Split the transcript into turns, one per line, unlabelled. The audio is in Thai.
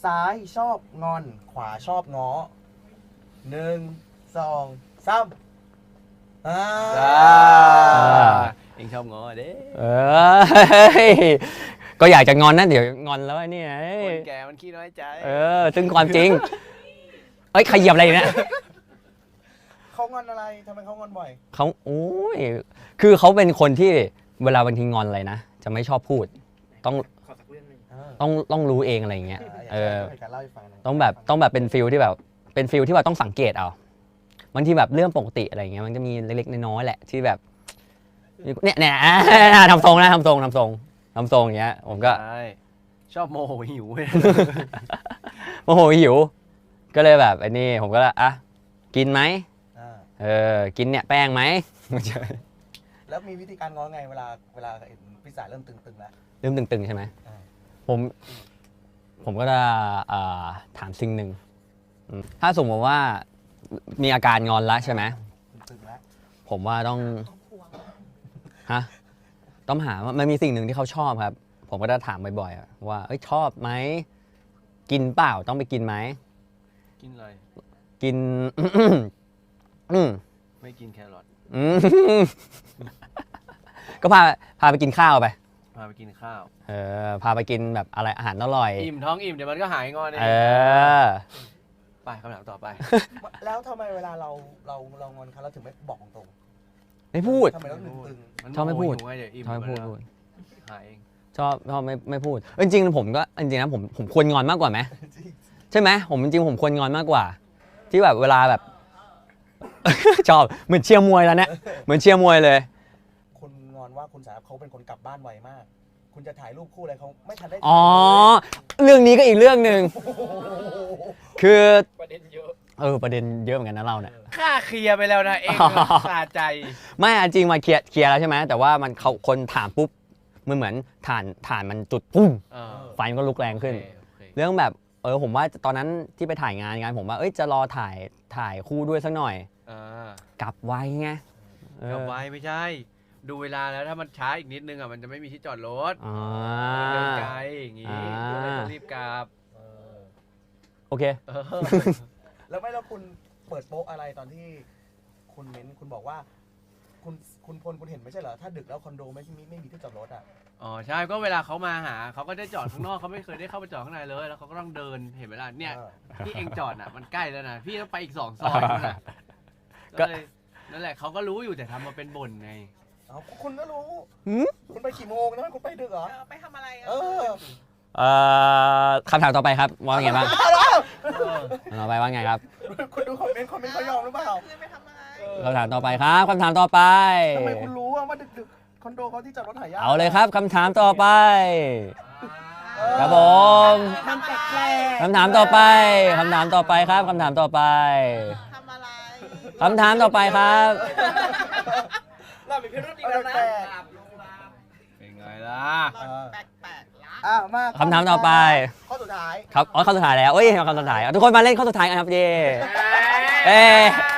ซ้ายชอบงอนขวาชอบง้อ1 2 3
เองชอบง้อเด้
ก็อยากจะงอนนะเดี๋ยวงอนแล้วนี่
คนแก่มันขี้น้อยใจ
ซึ่งความจริงใครเหยียบอะไรเนี่ย
เขางอนอะไรทำไมเขางอนบ่อย
เขาโอ้ยคือเขาเป็นคนที่เวลาบางทีงอนอะไรนะจะไม่ชอบพูดต้อง
ขอสักเรื่องหนึ่ง
ต้องรู้เองอะไรอย่างเงี้ย
อยากจะเล่าให้ฟังหน่ย
ต้องแบบเป็นฟิลที่แบบเป็นฟิลที่ว่าต้องสังเกตเอาบางทีแบบเรื่องปกติอะไรอย่างเงี้ยมันจะมีเล็กๆน้อยๆแหละที่แบบเนี่ยทำทรงอย่างเงี้ยผมก็
ใช่ชอบโมโหหิว
โมโหหิวก็เลยแบบไอ้นี่ผมก็กินไหมกินเนี่ยแป้งไหม
แล้วมีวิธีการง้อไงเวลาเห็นพี่สายเริ่มตึงๆแล้ว
เริ่มตึงๆใช่ไหมผมก็จะถามสิ่งหนึ่งถ้าสมมติว่ามีอาการงอนแล้วใช่ไหม
ตึงแล้ว
ผมว่าต้องต้องหาว่ามันมีสิ่งหนึ่งที่เขาชอบครับผมก็จะถามบ่อยๆว่าชอบไหมกินเปล่าต้องไปกินไหม
กินอะไร
กิน
ไม่กินแครอท
ก็พาไปกินข้าวไป
พาไปกินข้าว
พาไปกินแบบอะไรอาหารอร่อย
อิ่มท้องอิ่มเดี๋ยวมันก็หายงอนเองไปคำถามต่อไป
แล้วทำไมเวลาเรางอนเขาเราถึงไม่บอกตรง
ไม่พูด
ทำไมต้องตึง
ชอบไม่พูด
นโหิวไงเดี๋ยวอิ่ม
ชอบไม่พูด
แล้วหายเอง
ชอบไม่พูดจริงๆผมก็จริงๆนะผมควรงอนมากกว่าไหม
ๆ
ใช่ไหมผมจริงๆผมควรงอนมากกว่า ที่แบบเวลาแบบ ชอบเหมือนเชียร์มวยแล้วเนี่ยเหมือนเชียร์มวยเลย
คุณงอนว่าคุณสายเขาเป็นคนกลับบ้านไวมาก คุณจะถ่ายรูปคู่อะไรเขาไม่ทันได้
อ๋อเรื่องนี้ก็อีกเรื่องหนึ่งคือประเด็นเยอะประเด็นเยอะเหมือนกันนะเราเนี่ย
ค่าเคลียร์ไปแล้วนะเองสาใจ
ไม่จริงมาเคลียร์แล้วใช่ไหมแต่ว่ามันเขาคนถามปุ๊บมันเหมือนถ่านมันจุดปุ้มไฟมันก็ลุกแรงขึ้น เรื่องแบบผมว่าตอนนั้นที่ไปถ่ายงานผมว่าจะรอถ่ายคู่ด้วยสักหน่อยกลับไวไง
กลับไว้ไม่ใช่ ดูเวลาแล้วถ้ามันช้าอีกนิดนึงมันจะไม่มีที่จอดรถมันเดินไกลอย่างงี้ก็เลยต้องรีบกลับ
โอเค
แล้วคุณเปิดโป๊ะอะไรตอนที่คุณเม้นคุณบอกว่า คุณพลคุณเห็นไม่ใช่เหรอถ้าดึกแล้วคอนโดไม่มีที่จอดรถอ่ะ
อ๋อใช่ก็เวลาเขามาหาเขาก็ได้จอดข้างนอกเขาไม่เคยได้เข้าไปจอดข้างในเลยแล้วเขาก็ต้องเดินเห็นไหมล่ะเนี่ยที่เองจอดมันใกล้แล้วนะพี่ต้องไปอีก2 ซอยนะก็เลยนั่นแหละเขาก็รู้อยู่แต่ทำมาเป็นบ่นไง
คุณก็รู้คุณไปกี่โมงนะคุณไปดึกเหรอ
ไปทำอะไร
คำถามต่อไปครับว่าไงบ้างต่อไปว่าไงครับ
คุณดูคอมเมนต์เขายอมหรือเปล่า
ไปทำอะไร
คำถามต่อไปครับคำถามต่อไป
ทำไมคุณรู้ว่าดึกคอนโดเขาที่จอดรถหายาก
เอาเลยครับคำถามต่อไปครับผม
มันแปลก
คำถามต่อไปคำถามต่อไปครับคำถามต่อไป
ทำอะไร
คำถามต่อไปครับ
เรามีพิรุธอีกแล้วนะ
เป็นไงล่ะ
แปลกๆละ
มา
คำถามต่อไป
ข้อสุดท้าย
ครับข้อสุดท้ายแล้วคำสุดท้ายทุกคนมาเล่นข้อสุดท้ายกันครับเย่